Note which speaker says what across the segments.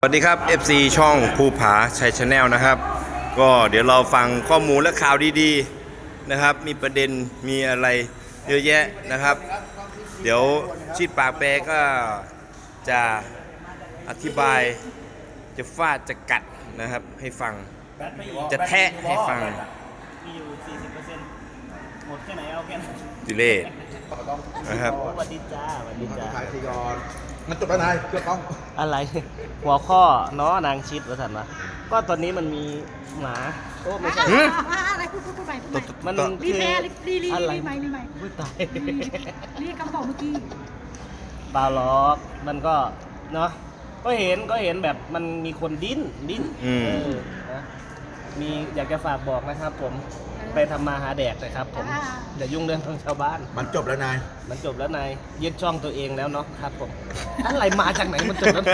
Speaker 1: สวัสดีครับ FC ช่องภูผาชัยชาแนลนะครับก็เดี๋ยวเราฟังข้อมูลและข่าวดีๆนะครับมีประเด็นมีอะไรเยอะแยะนะครับเดี๋ยวชิดปากแปรก็จะอธิบายจะฟาดจะกัดนะครับให้ฟังจะแทะให้ฟัง
Speaker 2: มีอยู่ 40%หมดแค่ไหนเอาแค่นั้น
Speaker 1: ดิเล่นะครับ
Speaker 2: สวัสดีจ้าสวัสดีจ้า
Speaker 3: ถ่ายทีก่อนมันจบแล้วนายเกือบต้อง
Speaker 2: อะไรหัวข้อเนาะนางชิดว่าสันวะก็ตอนนี้มันมีหมาโอ้ไม่ใช่
Speaker 4: อะไรพูดใหม่
Speaker 2: มัน
Speaker 4: รีแพร์รี
Speaker 2: อะไร
Speaker 4: ใหม่
Speaker 2: พูดตาย
Speaker 4: รีคำบอกเมื่อกี้
Speaker 2: เปล่าล็อกมันก็เนาะก็เห็นแบบมันมีคนดิ้นนะมีอยากจะฝากบอกนะครับผมไปทำมาหาแดกนะครับผมอย่ายุ่งเรื่องของชาวบ้าน
Speaker 3: มันจบแล้วนาย
Speaker 2: มันจบแล้วนายยึดช่องตัวเองแล้วเนาะครับผมอะไรมาจากไหนมันจบแล้ว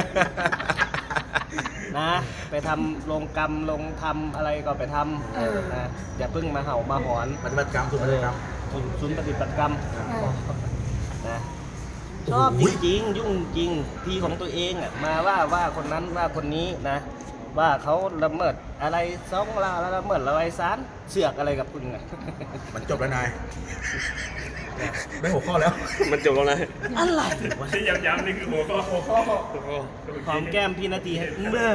Speaker 2: นะไปทำลงกรรมลงทำอะไรก็ไปทำนะอย่าเพิ่งมาเห่ามาหอน
Speaker 3: ปฏิบัติกรรมศูนย์ปฏิบัติกรรม
Speaker 2: ศูนย์ปฏิบัติกรรมนะชอบจริงยุ่งจริงทีของตัวเองอ่ะมาว่าคนนั้นว่าคนนี้นะว่าเขาละเมิดอะไรซ่องลาแล้วละเมิดอะไรซานเสือกอะไรกับคุณไง
Speaker 3: มันจบแล้วนายได้หัวข้อแล้ว
Speaker 1: มันจบแล้วนะ
Speaker 2: อะไรวะ
Speaker 5: ที่ย้ำๆนี่คือหัวข้อ
Speaker 2: หอมแก้มพี่นาทีเมื่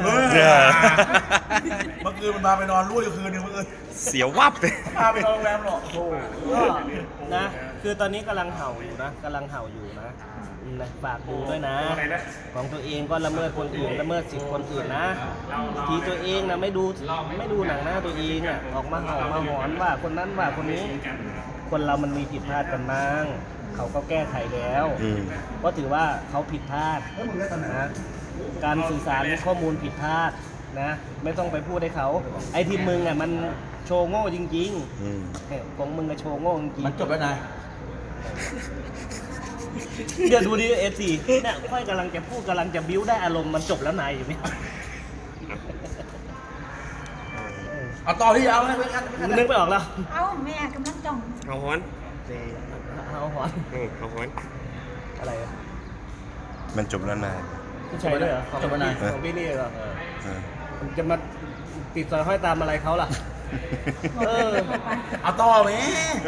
Speaker 3: อคืนมันพาไปนอนรุ่ยคืนนึงเมื่อคืน
Speaker 1: เสียวับเลย
Speaker 3: พาไปนอนโรงแรมหรอก
Speaker 2: ก็นะคือตอนนี้กำลังเห่าอยู่นะฝากดูด้วยนะของตัวเองก็ละเมิดคนอื่นละเมิดสิทธิคนอื่นนะทีตัวเองนะไม่ดูหนังหน้าตัวเองอ่ะออกมาเห่ามาหอนว่าคนนั้นว่าคนนี้คนเรามันมีผิดพลาดกันบ้างเขาก็แก้ไขแล้วก็ถือว่าเขาผิดพลาดนะการสื่อสารข้อมูลผิดพลาดนะไม่ต้องไปพูดให้เขาไอ้ที่มึงอ่ะมันโชว์โง่จริงๆของมึงก็โชว์โง่จริง
Speaker 3: มันจบแล้วนาย
Speaker 2: เดี๋ยวดูดิF4เนี่ยค่อยกำลังจะพูดกำลังจะบิ้วได้อารมณ์มันจบแล้วนายอยู่ไหม
Speaker 3: เอาต่อที่เอาให้ไปกัน
Speaker 2: นึกไม่ออกแล้ว
Speaker 4: เอาแม่กำลังจ้อง
Speaker 1: เอาฮอน
Speaker 2: อะไร
Speaker 1: มันจบแล้วนาย
Speaker 2: ผู้ชายด้วยเหรอ
Speaker 3: จบแล้วนาย
Speaker 2: ของพี่นี่เหรอจะมาติดสอยห้อยตามอะไรเขาล่ะ
Speaker 3: เอาต่อไหม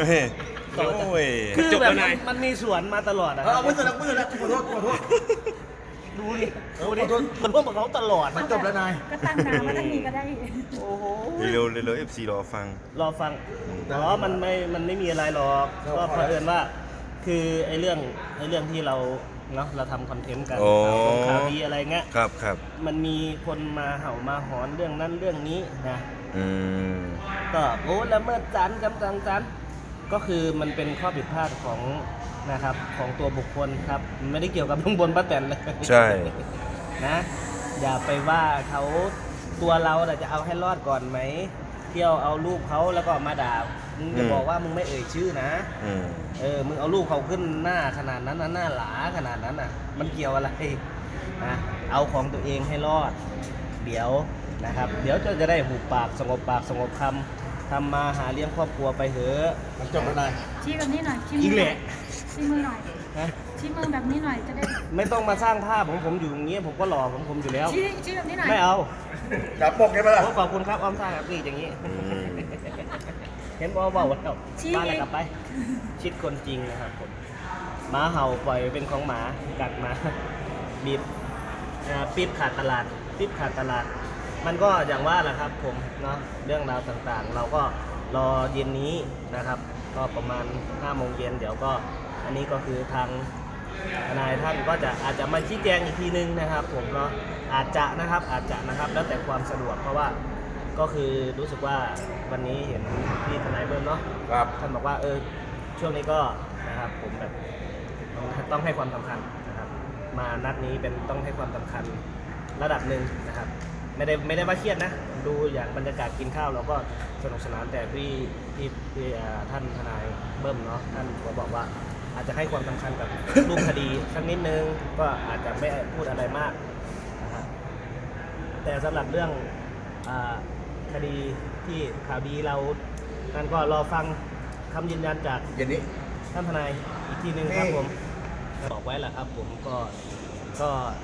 Speaker 2: คือแบบมันมีสวนมาตลอดอ่ะ
Speaker 3: เอามือแล้วขอโทษ
Speaker 2: ดูดิมันร่วมกับเขาตลอด
Speaker 3: มันจบแล้วนาย
Speaker 4: ก็ตั้งน้ำมาตั้งนี้ก็ได้
Speaker 2: โอ้โห
Speaker 1: เร็ว FC รอฟัง
Speaker 2: มันไม่มีอะไรหรอกก็เผอิญว่าคือไอ้เรื่องที่เราเนาะเราทำคอนเทนต์กันข่าวดีอะไรเงี้ย
Speaker 1: ครับ
Speaker 2: มันมีคนมาเห่ามาหอนเรื่องนั้นเรื่องนี้นะก็โอ้ละเมิดศาลก็คือมันเป็นข้อผิดพลาดของนะครับของตัวบุคคลครับไม่ได้เกี่ยวกับลุงพลป้าแตนเลย
Speaker 1: ใช่
Speaker 2: นะอย่าไปว่าเขาตัวเราจะเอาให้รอดก่อนไหมเที่ยวเอารูปเขาแล้วก็มาด่ามึงจะบอกว่ามึงไม่เอ่ยชื่อนะมึงเอารูปเขาขึ้นหน้าขนาดนั้นนะหน้าหลาขนาดนั้นน่ะมันเกี่ยวอะไรนะเอาของตัวเองให้รอดเดี๋ยวนะครับเดี๋ยวจะได้หูปากสงบคำทำมาหาเลี้ยงครอบครัวไปเถอะ
Speaker 3: มันจบแล้วนาย
Speaker 4: ชี้แบบนี้หน่อยชี้มือหน่อยชี้มือแบบนี้หน่อยจะได้
Speaker 2: ไม่ต้องมาสร้างภาพผมอยู่อย่างเงี้ยผมก็หล่อผมอยู่แล้ว
Speaker 4: ชี้แบบนี้หน่อย
Speaker 2: ไม่เอา
Speaker 3: จับปกใช่ไหมล่ะ
Speaker 2: ขอบคุณครับอ้อมซ่าครับนี่อย่างงี้เห็นเบาๆแล้วบ้านอะไรกลับไปชิดคนจริงนะครับผมหมาเห่าปล่อยเป็นของหมากัดมาบีบปี๊บขาดตลาดมันก็อย่างว่าแหละครับผมเนาะเรื่องราวต่างๆเราก็รอเย็นนี้นะครับก็ประมาณ 5 โมงเย็นเดี๋ยวก็อันนี้ก็คือทางทนายท่านก็อาจจะมาชี้แจงอีกทีนึงนะครับผมเนาะอาจจะนะครับแล้วแต่ความสะดวกเพราะว่าก็คือรู้สึกว่าวันนี้เห็นพี่ทนายเบิ้มเนาะท่านบอกว่าช่วงนี้ก็นะครับผมแบบต้องให้ความสำคัญนะครับมานัดนี้เป็นต้องให้ความสำคัญระดับหนึ่งนะครับไม่ได้ว่าเครียดนะดูอย่างบรรยากาศกินข้าวเราก็สนุกสนานแต่พี่ท่านทนายเบิ้มเนาะท่านก็บอกว่าอาจจะให้ความสำคัญกับรูปคดีสักนิดนึงก็อาจจะไม่พูดอะไรมากนะครับแต่สำหรับเรื่องคดีที่ข่าวดีเราท่านก็รอฟังคำยืนยันจากท่านทนายอีกทีนึงครับผมบอกไว้แหละครับผมก็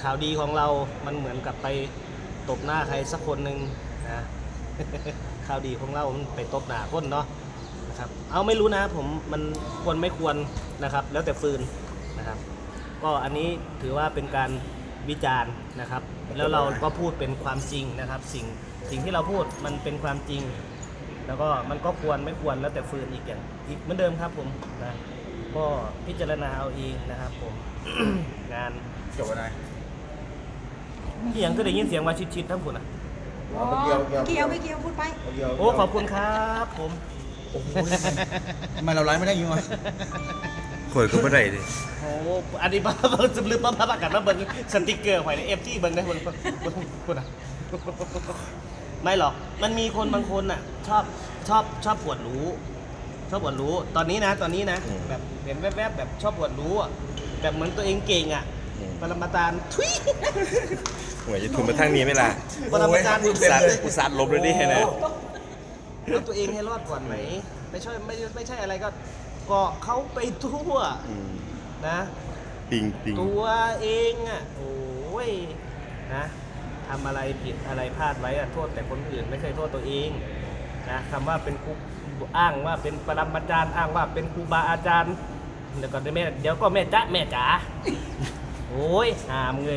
Speaker 2: ข่าวดีของเรามันเหมือนกับไปตบหน้าใครสักคนหนึ่งนะ ข่าวดีของเรามันไปตบหน้าคนเนาะนะครับเอาไม่รู้นะผมมันควรไม่ควรนะครับแล้วแต่ฟืนนะครับก็อันนี้ถือว่าเป็นการวิจารณ์นะครับแล้วเราก็พูดเป็นความจริงนะครับสิ่งที่เราพูดมันเป็นความจริง แล้วก็มันก็ควรไม่ควรแล้วแต่ฟืนอีกอย่างอีกเหมือนเดิมครับผมนะก็พิจารณาเอาเองนะครับผม งาน
Speaker 3: จบแล้วนาย
Speaker 2: เสียงก็ได้ยินเสียงว่าชิดๆทั้งคุณอ่ะ
Speaker 4: อ๋อเกี่ยวพูดไป
Speaker 2: โอ้ขอบคุณครับผม
Speaker 3: โอ้โหทำไมเราไลฟ์ไม่ได้อยังไง
Speaker 1: ข่อยก็ไม่ได้เลย
Speaker 2: โอ้อันนี้บ้าเบิ่งจำลืมบ้าประกาศมาเบิ่งสติกเกอร์ไว้ในเอฟที่เบิ่งได้คุณอ่ะไม่หรอกมันมีคนบางคนอ่ะชอบปวดรู้ตอนนี้นะแบบเห็นแวบๆแบบชอบปวดรู้อ่ะแบบเหมือนตัวเองเก่งอ่ะปรมาจารย์ทุย
Speaker 1: หัวจะทุ่มมาทางนี้ไหมล่ะ
Speaker 2: ปรมาจารย์
Speaker 1: อุตส่าห์ลบเลยดิเห็นไหม
Speaker 2: เอาตัวเองให้รอดก่อนไหมไม่ใช่อะไรก็เกาะเขาไปทั่วนะ
Speaker 1: ปิง
Speaker 2: ตัวเองอ่ะโอ้ยนะทำอะไรผิดอะไรพลาดไว้อะโทษแต่คนอื่นไม่เคยโทษตัวเองนะคำว่าเป็นครูอ้างว่าเป็นปรมาจารย์อ้างว่าเป็นครูบาอาจารย์เดี๋ยวก็แม่จ๋าโอ้ยหามเลย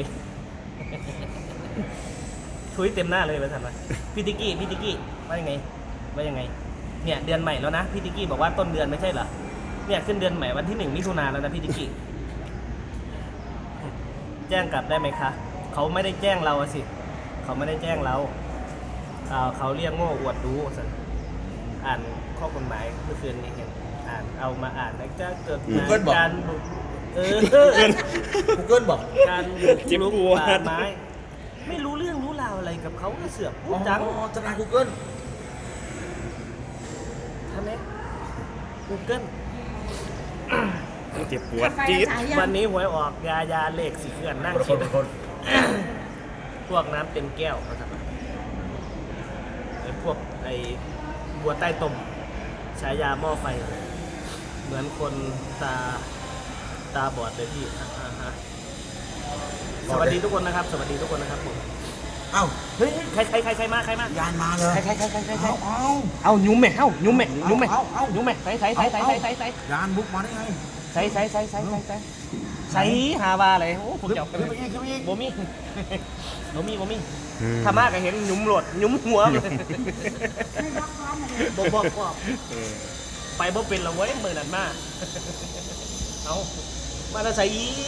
Speaker 2: ทุยเต็มหน้าเลยไปทำไมพี่ติกกี้ว่ายังไงเนี่ยเดือนใหม่แล้วนะพี่ติกกี้บอกว่าต้นเดือนไม่ใช่เหรอเนี่ยขึ้นเดือนใหม่วันที่1 มิถุนายนแล้วนะพี่ติกกี้แจ้งกลับได้ไหมคะเขาไม่ได้แจ้งเราสิเขาไม่ได้แจ้งเราเขาเรียกโง่อวดรู้สันอ่านข้อกฎหมายเมื่อคืนนี้เห็นอ่านเอามาอ่านแล้วจะเกิดการบุก
Speaker 3: กูเกิลบอก
Speaker 2: การบุกรุกป่าไม้ไม่รู้เรื่องรู้ราวอะไรกับเขาก็เสือกพูดจัง
Speaker 3: อ๋อทนายกูเกิล
Speaker 2: ทำไม Google
Speaker 1: เจ็บปวดจี๊ด
Speaker 2: วันนี้หวยออกยาเลขสีเขื่อนนั่งคิดพวกน้ำเต็มแก้วนะครับไอ้พวกไอ้บัวใต้ตมฉายาหม้อไฟ เหมือนคนตาบอดเลยพี่สวัสดีทุกคนนะครับผม
Speaker 3: เอ้า
Speaker 2: เฮ้ยใครมาย
Speaker 3: านมาเลย
Speaker 2: ใคร
Speaker 3: เอ้า
Speaker 2: เอายุ่มแม่ยุ่มแม่
Speaker 3: เอา
Speaker 2: ใส่
Speaker 3: ยานบุกมาได้ไง
Speaker 2: ใส่หาว่าอะไรโอ้ผมจะเอา
Speaker 3: ขึ้นไปอีก
Speaker 2: บ่มีถ้ามากก็เห็นยุ่มโหลดยุ่มหัวเลย
Speaker 4: ไม่ยกร้อนมาเลย
Speaker 2: บอกไปบ่เป็นละเว้ยมือนั่นมาเอามาแล้วใส่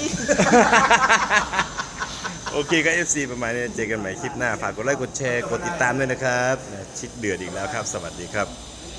Speaker 1: โอเคก็ FC ประมาณนี้เจอกันใหม่คลิปหน้าฝากกดไลค์กดแชร์กดติดตามด้วยนะครับชิดเดือดอีกแล้วครับ สวัสดีครับ